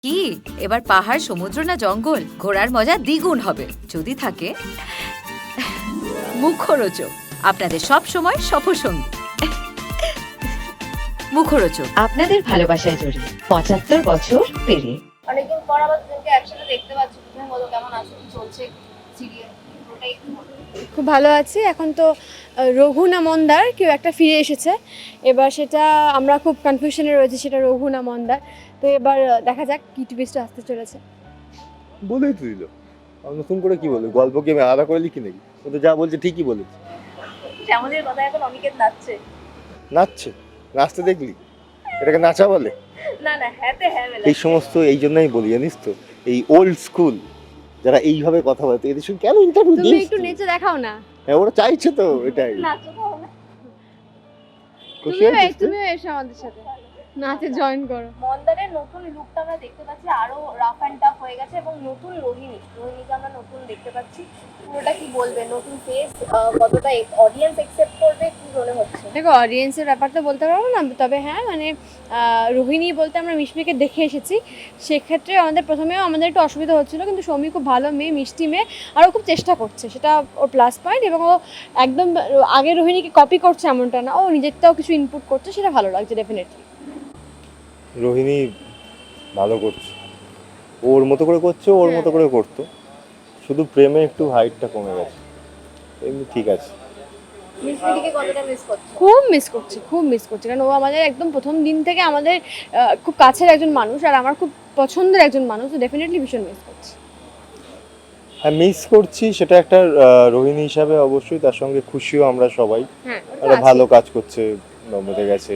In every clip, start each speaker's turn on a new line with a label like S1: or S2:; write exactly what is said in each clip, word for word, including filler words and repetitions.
S1: কি এবার পাহাড়, সমুদ্র না জঙ্গল, ঘোরার মজা দ্বিগুণ হবে যদি থাকে মুখরোচক, আপনাদের সব সময় সফরসঙ্গী। মুখরোচক
S2: আপনাদের ভালোবাসায় জড়িয়ে পঁচাত্তর বছর পেরিয়ে
S3: অনেকদিন পর আবার দুজনকে একসাথে দেখতে পাচ্ছি। তুমি বলো কেমন আছো, কি চলছে সিরিয়াল? ওটাই একটু বলো।
S4: খুব ভালো আছি। এখন তো আহ, রঘু না মন্দার কেউ একটা ফিরে এসেছে, এবার সেটা আমরা খুব কনফিউশনে রয়েছে, সেটা রঘু না মন্দার। তো এবার আহ, দেখা যাক কি টুইস্ট আসতে চলেছে।
S5: বলেই তো দিল। আর নতুন করে কি বলবো? গল্প কি আমি আলাদা করে লিখি নাকি? ও তো যা বলছে ঠিকই বলেছে।
S3: শ্যামলীর কথা এখন অনিকেত নাচছে।
S5: নাচছে? নাচতে দেখলি? এটাকে নাচা বলে?
S3: না না, হ্যাঁতে হ্যাঁ মেলা।
S5: এই সমস্ত এই জন্যই বলি, জানিস তো, এই ওল্ড স্কুল যারা এইভাবে কথা বলে, এদের সঙ্গে কেন ইন্টারভিউ
S4: তুমি
S5: দিস?
S4: একটু নেচে দেখাও না।
S5: হ্যাঁ, ওরা চাইছে তো এটাই।
S3: নাচো তাও না।
S5: খুশি
S4: তুমিও
S5: হয়েছিস তুই?
S4: তুমিও এসো আমাদের সাথে নাচে জয়েন করো।
S3: মন্দারের নতুন লুকটা আমরা দেখতে পাচ্ছি, আরো রাফ অ্যান্ড টাফ হয়ে গেছে, এবং নতুন রোহিণী রোহিণীকে আমরা নতুন দেখতে পাচ্ছি। পুরোটা কি বলবে, নতুন ফেস, কতটা অডিয়েন্স একসেপ্ট করবে, কি মনে হচ্ছে?
S4: দেখো, অডিয়েন্সের ব্যাপারটা বলতে পারবো না, তবে হ্যাঁ মানে আহ, রোহিণী বলতে আমরা মিশমিকে দেখে এসেছি, সেক্ষেত্রে আমাদের প্রথমেও আমাদের একটু অসুবিধা হচ্ছিলো, কিন্তু সৌমি খুব ভালো মেয়ে, মিষ্টি মেয়ে, আর ও খুব চেষ্টা করছে, সেটা ওর প্লাস পয়েন্ট। এবং ও একদম আগে রোহিণীকে কপি করছে এমনটা না, ও নিজেরটাও কিছু ইনপুট করছে, সেটা ভালো লাগছে ডেফিনেটলি।
S5: রোহিণী ভালো করছে, ওর মতো করে করছে, ওর মতো করে করতো, শুধু প্রেমে একটু হাইটটা কমে গেছে, এমনি ঠিক আছে।
S3: মিষ্টিদিকে কতটা মিস করছো?
S4: খুব মিস করছি, খুব মিস করছি, কারণ ও আমাদের একদম প্রথম দিন থেকে আমাদের আহ, খুব কাছের একজন মানুষ, আর আমার খুব পছন্দের একজন মানুষ, তো ডেফিনেটলি ভীষণ মিস করছি।
S5: হ্যাঁ, মিস করছি, সেটা একটা আহ, রোহিণী হিসাবে অবশ্যই, তার সঙ্গে খুশিও আমরা সবাই।
S4: হ্যাঁ,
S5: একটা ভালো কাজ করছে, নম্বরে গেছে।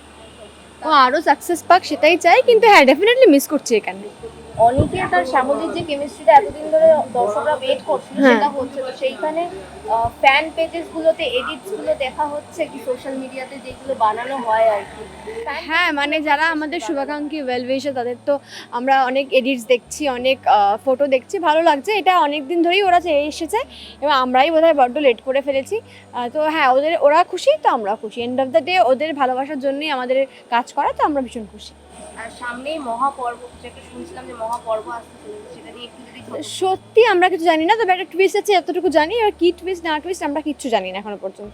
S4: ও আরো সাকসেস পাক সেটাই চাই, কিন্তু হ্যাঁ ডেফিনেটলি মিস করছি এখানে।
S3: অনিকেত আর শ্যামলীর যে কেমিস্ট্রিটা এতদিন ধরে দর্শকরা ওয়েট করছিল,
S4: হ্যাঁ।
S3: সেটা হচ্ছে তো সেইখানে ফ্যান পেজেস গুলোতে এডিটস গুলো দেখা হচ্ছে কি সোশ্যাল মিডিয়াতে যেগুলো বানানো হয় আর কি।
S4: হ্যাঁ মানে যারা আমাদের শুভাকাঙ্ক্ষী ওয়েল উইশার, তাদের তো আমরা অনেক এডিটস দেখছি, অনেক ফটো দেখছি, ভালো লাগছে। এটা অনেক দিন ধরেই ওরা চেয়ে এসেছে, এবং আমরাই বোধহয় বড্ড লেট করে ফেলেছি। আহ, তো হ্যাঁ, ওদের ওরা খুশি, তো আমরা খুশি। এন্ড অফ দ্য ডে ওদের ভালোবাসার জন্যই আমাদের কাজ করা, তো আমরা ভীষণ খুশি।
S3: আর সামনেই মহাপর্ব, যেটা শুনছিলাম যে মহাপর্ব আসতে চলেছে, সেটা নিয়ে একটু যদি ছোট-
S4: সত্যি আমরা কিছু জানি না, তবে একটা টুইস্ট আছে এতটুকু জানি, আর কি টুইস্ট না টুইস্ট আমরা কিচ্ছু জানি না এখনো পর্যন্ত।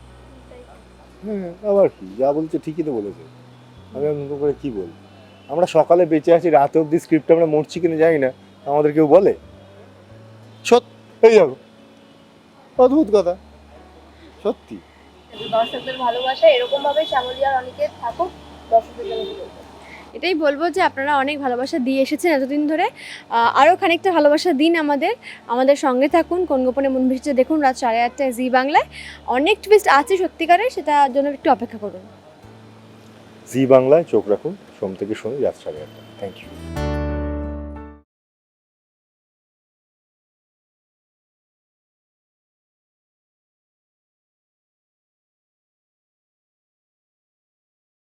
S5: হ্যাঁ, আবার কি, যা বলছে ঠিকই তো বলেছে। আমি আর নতুন করে কি বলবো? আমরা সকালে বেঁচে আছি, রাতে অব্দি স্ক্রিপ্ট আমরা মরছি কিনা জানি না, আমাদের কেউ বলে? সত্যি এই যাবো, অদ্ভুত কথা, সত্যি।
S3: দর্শকদের ভালোবাসা এরকম ভাবে শ্যামলী আর অনিকেত থাকুক, দর্শকদের জন্য কি বলবো?
S4: এটাই বলবো যে আপনারা অনেক ভালোবাসা দিয়ে এসেছেন এতদিন ধরে, আহ, আরও খানিকটা ভালোবাসা দিন আমাদের, আমাদের সঙ্গে থাকুন। কোন গোপনে মন ভেসেছে দেখুন রাত সাড়ে আটটায় জি বাংলায়। অনেক টুইস্ট আছে সত্যিকারের, সেটার জন্য একটু অপেক্ষা করুন।
S5: জি বাংলায় চোখ রাখুন, সোম থেকে শনি রাত সাড়ে আটটা। Thank you.